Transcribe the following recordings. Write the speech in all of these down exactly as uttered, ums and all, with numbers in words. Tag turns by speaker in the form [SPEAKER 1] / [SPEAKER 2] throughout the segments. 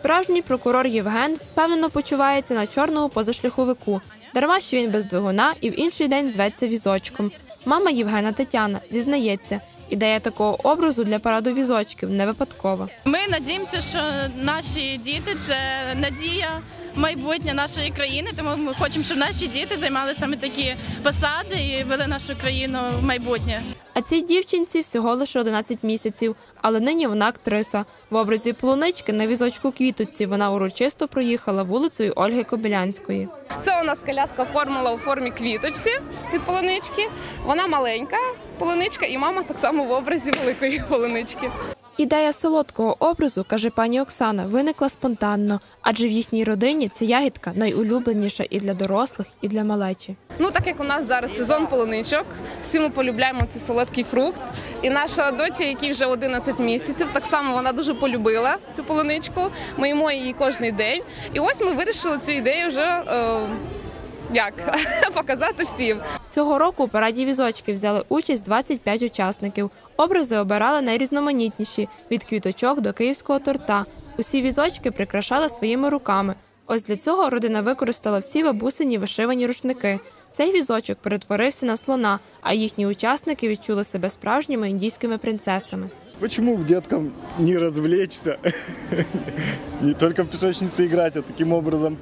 [SPEAKER 1] Справжній прокурор Євген впевнено почувається на чорному позашляховику. Дарма, що він без двигуна і в інший день зветься візочком. Мама Євгена Тетяна зізнається, ідея такого образу для параду візочків не випадкова.
[SPEAKER 2] Ми сподіваємося, що наші діти – це надія майбутнє нашої країни, тому ми хочемо, щоб наші діти займали саме такі посади і вели нашу країну в майбутнє.
[SPEAKER 1] А цій дівчинці всього лише одинадцять місяців, але нині вона актриса. В образі полунички на візочку Квіточці вона урочисто проїхала вулицею Ольги Кобилянської.
[SPEAKER 3] Це у нас коляска оформила у формі квіточці від полунички. Вона маленька полуничка і мама так само в образі великої полунички.
[SPEAKER 1] Ідея солодкого образу, каже пані Оксана, виникла спонтанно, адже в їхній родині ця ягідка найулюбленіша і для дорослих, і для малечі.
[SPEAKER 3] Ну, так як у нас зараз сезон полуничок, всі ми полюбляємо цей солодкий фрукт. І наша доця, якій вже одинадцять місяців, так само вона дуже полюбила цю полуничку. Ми їмо її кожен день. І ось ми вирішили цю ідею вже е, як, показати всім.
[SPEAKER 1] Цього року у параді візочків взяли участь двадцять п'ять учасників. Образи обирали найрізноманітніші – від квіточок до київського торта. Усі візочки прикрашали своїми руками. Ось для цього родина використала всі бабусині вишивані рушники. Цей візочок перетворився на слона, а їхні учасники відчули себе справжніми індійськими принцесами.
[SPEAKER 4] Почему деткам не развлечься, не только в песочнице играть, а таким образом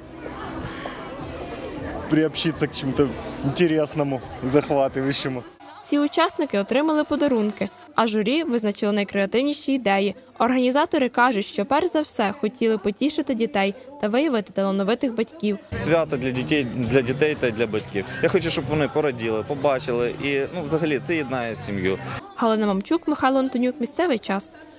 [SPEAKER 4] приобщиться к чему-то интересному, захватывающему?
[SPEAKER 1] Всі учасники отримали подарунки, а журі визначило найкреативніші ідеї. Організатори кажуть, що перш за все хотіли потішити дітей та виявити талановитих батьків.
[SPEAKER 5] Свято для дітей, для дітей та для батьків. Я хочу, щоб вони пораділи, побачили і, ну, взагалі, це єднає сім'ю.
[SPEAKER 1] Галина Мамчук, Михайло Антонюк. Місцевий час.